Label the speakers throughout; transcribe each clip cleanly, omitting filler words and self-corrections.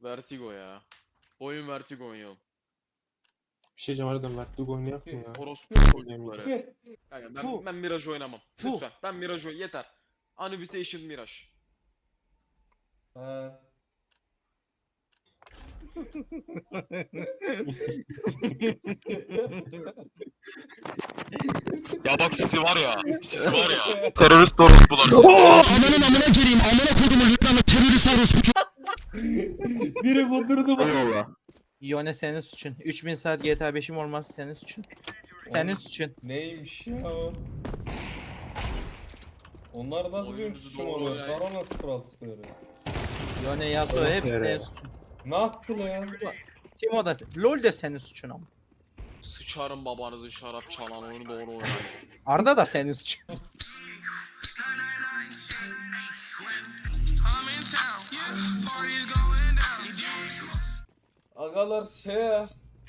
Speaker 1: Vertigo ya. Oyun Vertigo oynayalım.
Speaker 2: Bir şey diyeceğim harbiden Vertigo oynayak mı ya?
Speaker 1: Orospu çocukları.
Speaker 3: Fuh.
Speaker 1: Yani
Speaker 3: Fuh.
Speaker 1: ben Mirage oynamam.
Speaker 3: Fuh.
Speaker 1: Lütfen. Ben Mirage yeter. Anubisation Mirage.
Speaker 3: Ha.
Speaker 1: Ya bak sizi var ya. Siz var ya. Terörist orospular siz.
Speaker 3: Biri kudurdu bak.
Speaker 1: Eyvallah.
Speaker 4: Yone senin suçun. 3000 saat GTA 5'im olmaz senin suçun. Senin suçun.
Speaker 3: Neymiş ya o? Onlar nasıl benim
Speaker 1: Oyunumuzu
Speaker 3: suçum
Speaker 1: doğru
Speaker 3: oluyor?
Speaker 1: oynayın.
Speaker 3: Kara nasıl kuraltıkları?
Speaker 4: Yone Yasuo hepsi senin
Speaker 2: Evet.
Speaker 4: suçun.
Speaker 3: Nasıl ya?
Speaker 4: Timo da LoL de senin suçun ama.
Speaker 1: Sıçarım babanızın şarap çalan oyunu doğru oynayın.
Speaker 4: Arda da senin suçun.
Speaker 3: Agalar se.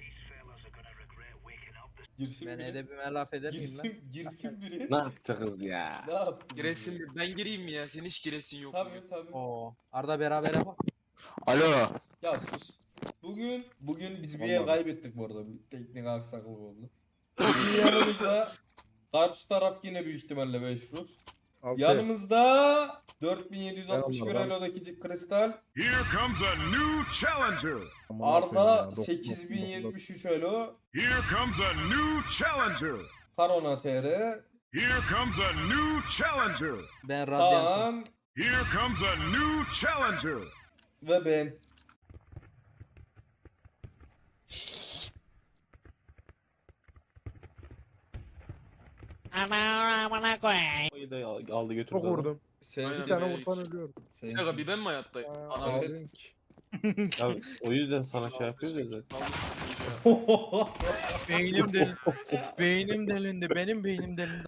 Speaker 3: Girsin
Speaker 4: Ben
Speaker 3: biri.
Speaker 4: edebime laf eder miyim lan?
Speaker 3: Girsin biri.
Speaker 2: Ne yaptı kız ya?
Speaker 3: Ne yaptın?
Speaker 1: Giresin mi? Ben gireyim mi ya? Senin hiç giresin yok mu?
Speaker 3: Tabii tabii.
Speaker 4: Oo. Arda berabere bak.
Speaker 1: Alo.
Speaker 3: Ya sus. Bugün biz bir
Speaker 2: Allah
Speaker 3: ev
Speaker 2: Allah.
Speaker 3: kaybettik bu arada. Bir teknik aksaklık oldu. Bizim yanımızda karşı taraf yine büyük ihtimalle 5 Rus. Yanımızda 4761
Speaker 5: Eyvallah.
Speaker 3: Elo'daki kristal.
Speaker 6: Here comes a new challenger.
Speaker 3: Arda 8073 Elo.
Speaker 6: Here comes a new challenger.
Speaker 3: Karona TR.
Speaker 6: Here comes a new challenger.
Speaker 4: Ben Radyant'ım.
Speaker 3: Kaan
Speaker 6: Here comes a new challenger.
Speaker 3: ve ben.
Speaker 2: Oyunu da aldı götürdü.
Speaker 5: Çok vurdum.
Speaker 3: Sen
Speaker 1: Aynen.
Speaker 5: Bir tane
Speaker 1: Evet.
Speaker 5: vursan ölüyorum.
Speaker 3: Sen
Speaker 1: Bir dakika bir ben mi hayattayım?
Speaker 5: Aa,
Speaker 1: Anam.
Speaker 3: Evet.
Speaker 5: Link.
Speaker 2: Ya, o yüzden sana şey yapıyoruz ya zaten.
Speaker 4: Beynim delindi. Beynim delindi. Benim beynim delindi.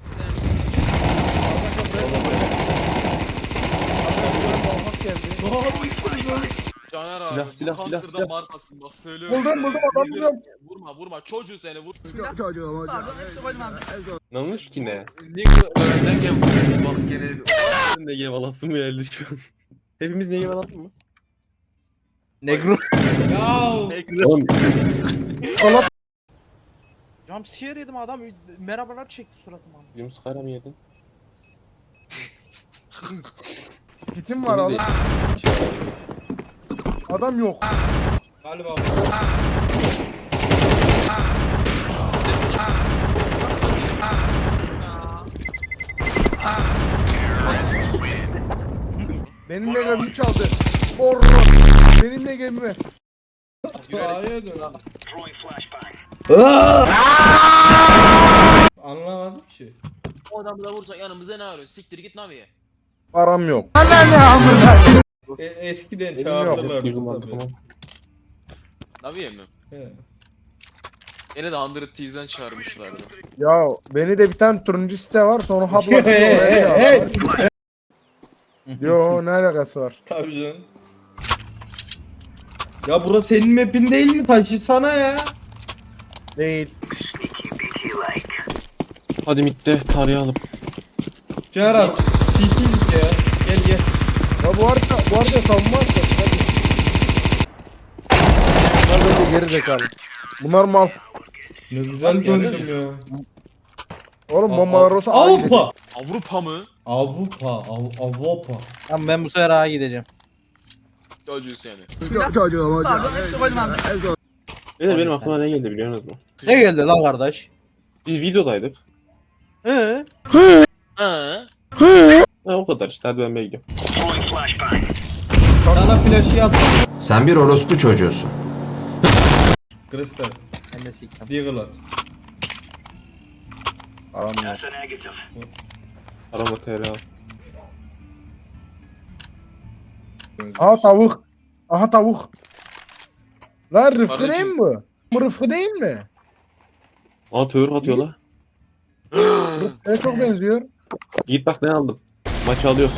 Speaker 5: Muhammad geldi.
Speaker 1: Caner abi.
Speaker 2: Silah,
Speaker 1: bu
Speaker 2: silah,
Speaker 1: Counter'da
Speaker 2: silah.
Speaker 1: markasın bak söylüyorum.
Speaker 5: Buldum,
Speaker 1: sana.
Speaker 5: buldum, adam buldum.
Speaker 1: Vurma çocuğu seni vur.
Speaker 2: Ne olmuş ki ne?
Speaker 1: Ne gem bak gene.
Speaker 2: Ne gev alasın mı geldi şu an? Hepimiz ne gev alalım mı?
Speaker 4: Negro.
Speaker 3: Ya
Speaker 2: Oğlum
Speaker 4: Jumpscare yedim adam merhabalar çekti suratıma.
Speaker 2: Yunus Kara mı yedin?
Speaker 5: Kitim var adam. Adam yok.
Speaker 3: galiba
Speaker 5: Benimle gemimi çaldı. Orro. Benimle gemimi.
Speaker 3: A'ya dön. Anlamadım ki.
Speaker 1: O adamı da vursa yanımızda ne arıyor? Siktir git Navi'ye.
Speaker 5: Param yok.
Speaker 3: Eskiden
Speaker 5: Benim
Speaker 3: çağırdılar
Speaker 2: Girdim
Speaker 3: tabii.
Speaker 2: arkama.
Speaker 1: Navi'ye mi?
Speaker 3: He.
Speaker 1: Beni de 100 T'den çağırmışlardı.
Speaker 5: Ya beni de bir tane turuncu site var sonra habla.
Speaker 3: Hey.
Speaker 5: Yo ne alakası var?
Speaker 3: Tabii canım. Ya burası senin map'in değil mi? Taşısana ya.
Speaker 5: Değil.
Speaker 2: Hadi mitte tarayalım.
Speaker 3: Cerrah, CT ya. Gel.
Speaker 5: Ya bu arada savunma atacağız. Bunlar böyle geri zekalı. Bunlar mal.
Speaker 3: Ne güzel döndüm ya.
Speaker 5: Oğlum bombalar olsa aynı.
Speaker 3: Avrupa.
Speaker 1: Avrupa mı?
Speaker 3: Avrupa.
Speaker 4: Tamam ben bu sefer A'ya gideceğim.
Speaker 1: Çocuğu seni.
Speaker 2: Bir de benim aklıma ne geldi biliyor musunuz?
Speaker 4: Ne geldi lan kardeş?
Speaker 2: Biz videodaydık.
Speaker 4: He?
Speaker 1: Ha?
Speaker 2: Ha o kadar işte hadi ben gidiyorum.
Speaker 3: Sana flaşı yazsana.
Speaker 7: Sen bir orospu çocuğusun.
Speaker 3: Kristal.
Speaker 4: Ben de siktim.
Speaker 3: Deagle at.
Speaker 5: Param yok.
Speaker 2: Arama TR al.
Speaker 5: Aha tavuk. Aha tavuk. Lan Rıfkı
Speaker 1: Kardeşim.
Speaker 5: değil mi bu? Bu Rıfkı değil mi?
Speaker 2: Aa tığır atıyor la.
Speaker 5: Rıfkı'ya çok benziyor.
Speaker 2: Git bak ne aldım. Maçı alıyoruz.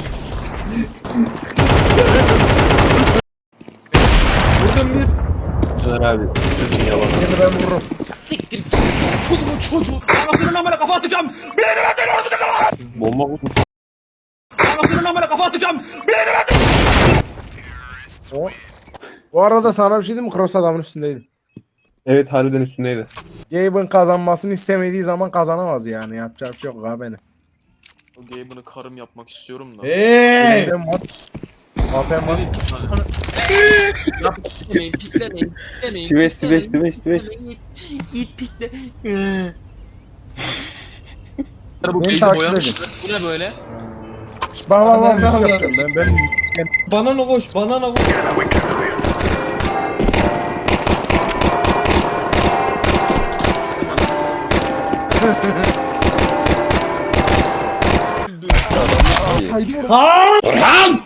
Speaker 3: Vurdum bir.
Speaker 2: Caner abi. Sözün yalan.
Speaker 5: Seni ben vururum.
Speaker 2: Bomba vurmuş.
Speaker 5: O Bu arada sana bir şey diyeyim mi? Cross adamın üstündeydi.
Speaker 2: Evet harbiden üstündeydi.
Speaker 5: Gabe'ın kazanmasını istemediği zaman kazanamaz yani. Yapacak bir şey yok abi benim.
Speaker 1: O game'ını karım yapmak istiyorum da.
Speaker 3: Hey!
Speaker 5: Benim var. Zaten var.
Speaker 1: Piklemeyin, piklemeyin, piklemeyin.
Speaker 2: Tives.
Speaker 1: Git pikle. Bu
Speaker 5: Beni
Speaker 1: bezi
Speaker 5: takip
Speaker 1: boyamışlar. Bu ne böyle?
Speaker 5: Bak
Speaker 3: Ben-
Speaker 5: müzik yapacağım ben.
Speaker 3: Banana koş, banana koş.
Speaker 5: Saydı orada.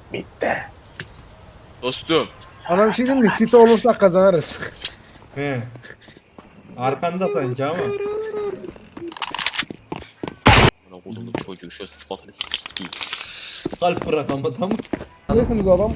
Speaker 1: Dostum.
Speaker 5: Sana bir şey diyeyim mi? City olursak kazanırız.
Speaker 3: He. Arkanda sanki ama.
Speaker 1: Bana kodumun çocuğu şu sıfatını sikeyim.
Speaker 3: Kalp bırak ama tamam.
Speaker 5: Nesiniz adam?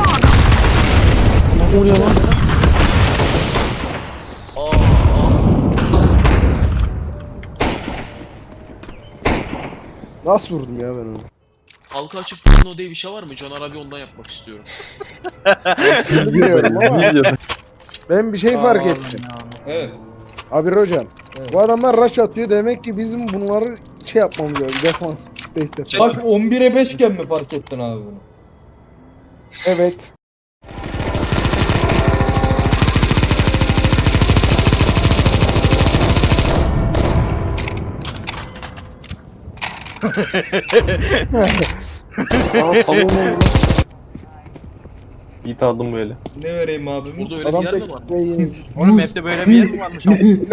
Speaker 5: Nasıl vurdum ya ben onu?
Speaker 1: Halka açık porno diye bir şey var mı? Caner abi ondan yapmak istiyorum.
Speaker 5: Bilmiyorum ama ben bir şey fark ettim.
Speaker 3: Evet.
Speaker 5: Abi hocam.
Speaker 3: Evet.
Speaker 5: Bu adamlar rush atıyor. Demek ki bizim bunları şey yapmamız lazım. Defans. Space defans.
Speaker 3: Bak 11'e 5 iken mi fark ettin abi bunu?
Speaker 5: Evet.
Speaker 2: Yiğit aldım bu eli.
Speaker 3: Ne vereyim abim?
Speaker 1: Burada öyle
Speaker 5: Adam
Speaker 1: bir yer
Speaker 5: tek
Speaker 1: mi var?
Speaker 5: yeni.
Speaker 4: Oğlum hepte böyle bir yer mi varmış?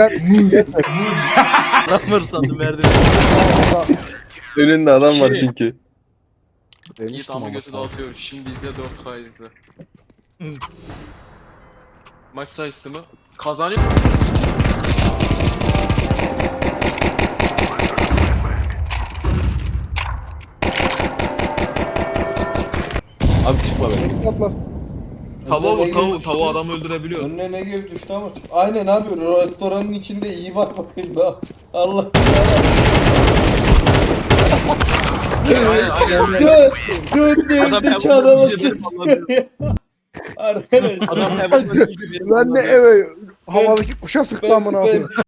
Speaker 4: Lan fırsatı verdim.
Speaker 2: Önünde adam var
Speaker 1: Şey-
Speaker 2: çünkü.
Speaker 1: Yiğit ama götü dağıtıyoruz. Şimdi izle 4K izle. Maç sayısı mı? Kazanıyor.
Speaker 2: Abi çıkma be.
Speaker 5: Atlas.
Speaker 1: Tavuğa vur,
Speaker 3: Ne
Speaker 1: tavuğu.
Speaker 3: girmiş
Speaker 1: Tavuğu
Speaker 3: ya?
Speaker 1: adam öldürebiliyor.
Speaker 3: Önüne ne gibi düştü ama. Aynen abi restoranın içinde iyi bak bakayım da. Allah.
Speaker 1: Aynen aynen.
Speaker 3: Dön
Speaker 1: Adam
Speaker 3: de çağlamasın.
Speaker 1: hemen
Speaker 3: Arkadaşlar.
Speaker 1: Adam hemen
Speaker 5: Ben de eve havadaki kuşa sıktı amına koyayım.